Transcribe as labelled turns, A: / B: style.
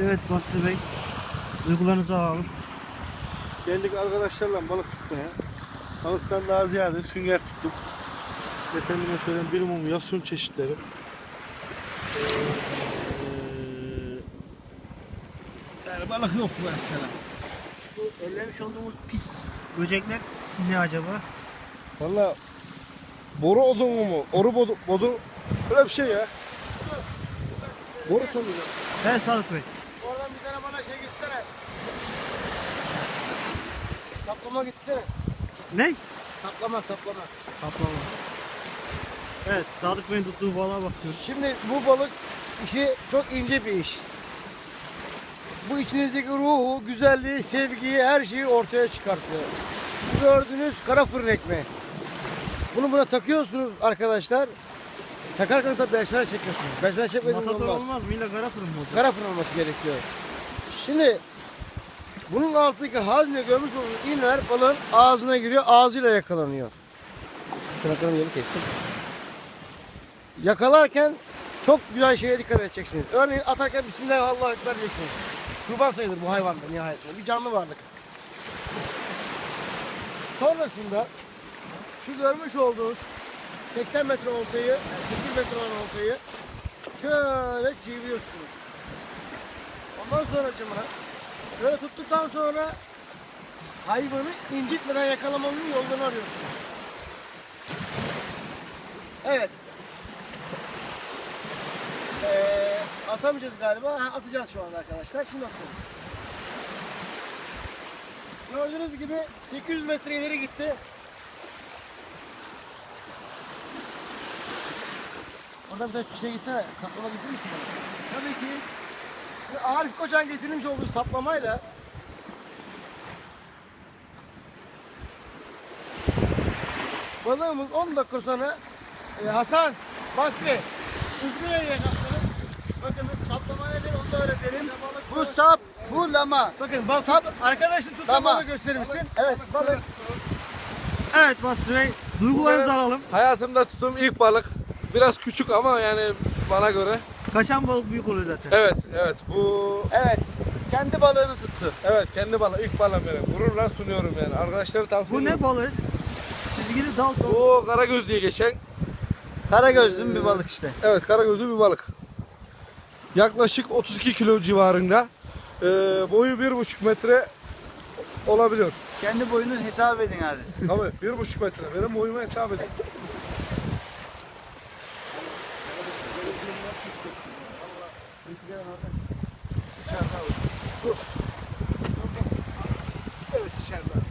A: Evet Basri Bey, duygularınızı alalım.
B: Geldik arkadaşlarla balık tutmaya. Balıktan daha ziyade sünger tuttuk. Efendime söyleyeyim bir mum yosun çeşitleri. Yani balık yok mesela.
A: Bu ellemiş olduğumuz pis böcekler ne acaba?
B: Valla boru odunu mu? Oru bodu böyle bir şey ya. Boru sanırım.
A: Evet Sadık Bey.
C: Oradan bir tane bana şey gitsene. Saplama gitsene.
A: Ne?
C: Saplama.
A: Kaplama. Evet Sadık Bey'in tuttuğu balığa bakıyoruz.
C: Şimdi bu balık işi çok ince bir iş. Bu içinizdeki ruhu, güzelliği, sevgiyi, her şeyi ortaya çıkartıyor. Şu gördüğünüz kara fırın ekmeği. Bunu buna takıyorsunuz arkadaşlar. Takarken tabii besmele çekiyorsunuz. Besmele çekmediğiniz
A: Matador
C: olmaz.
A: olmaz mı? İlla kara fırın mı olacak?
C: Kara fırın olması gerekiyor. Şimdi bunun altındaki hazne görmüş olduğunuz iğneler balığın ağzına giriyor, ağzıyla yakalanıyor. Tırnaklarımı yeni kestim. Yakalarken çok güzel şeye dikkat edeceksiniz. Örneğin atarken Bismillahirrahmanirrahim diyeceksiniz. Kurban sayılır bu hayvan da nihayetinde. Bir canlı varlık. Sonrasında şu görmüş olduğunuz 80 metre oltayı, yani 8 metre olan oltayı şöyle çeviriyorsunuz. Ondan sonra cımına şöyle tuttuktan sonra hayvanı incitmeden yakalamanın yolunu arıyorsunuz. Evet. Atamayacağız galiba. Ha, atacağız şu anda arkadaşlar. Şimdi atıyoruz. Gördüğünüz gibi 800 metre ileri gitti. Oradan bir tane şey gitsene. Saplama getirir misin bana? Tabii ki. Arif Koçan getirmiş olduğu saplamayla balığımız 10 dakika sonra Hasan, Basri, Üzgün'e yakasını. Bakın saplama nedir onu da öğretelim. Bu sap, bu lama. Bakın sap, arkadaşın tuttuğu balığı gösterir misin? Evet, balık.
A: Evet Basri Bey, duygularınızı alalım.
B: Hayatımda tuttuğum ilk balık. Biraz küçük ama yani bana göre.
A: Kaçan balık büyük oluyor zaten.
B: Evet bu
C: Evet, kendi balığını tuttu.
B: kendi balığı ilk balığım benim. Gururla sunuyorum yani. Arkadaşlara tavsiye
A: Bu
B: ediyorum.
A: ne balığı? Çizgili dal çok.
B: Bu karagöz diye geçen.
C: Karagözlü bir balık işte.
B: Evet karagözlü bir balık. Yaklaşık 32 kilo civarında. Boyu 1,5 metre olabiliyor.
C: Kendi boyunu hesap edin abi.
B: Tabii 1,5 metre. Benim boyumu hesap edin. Evet içeride.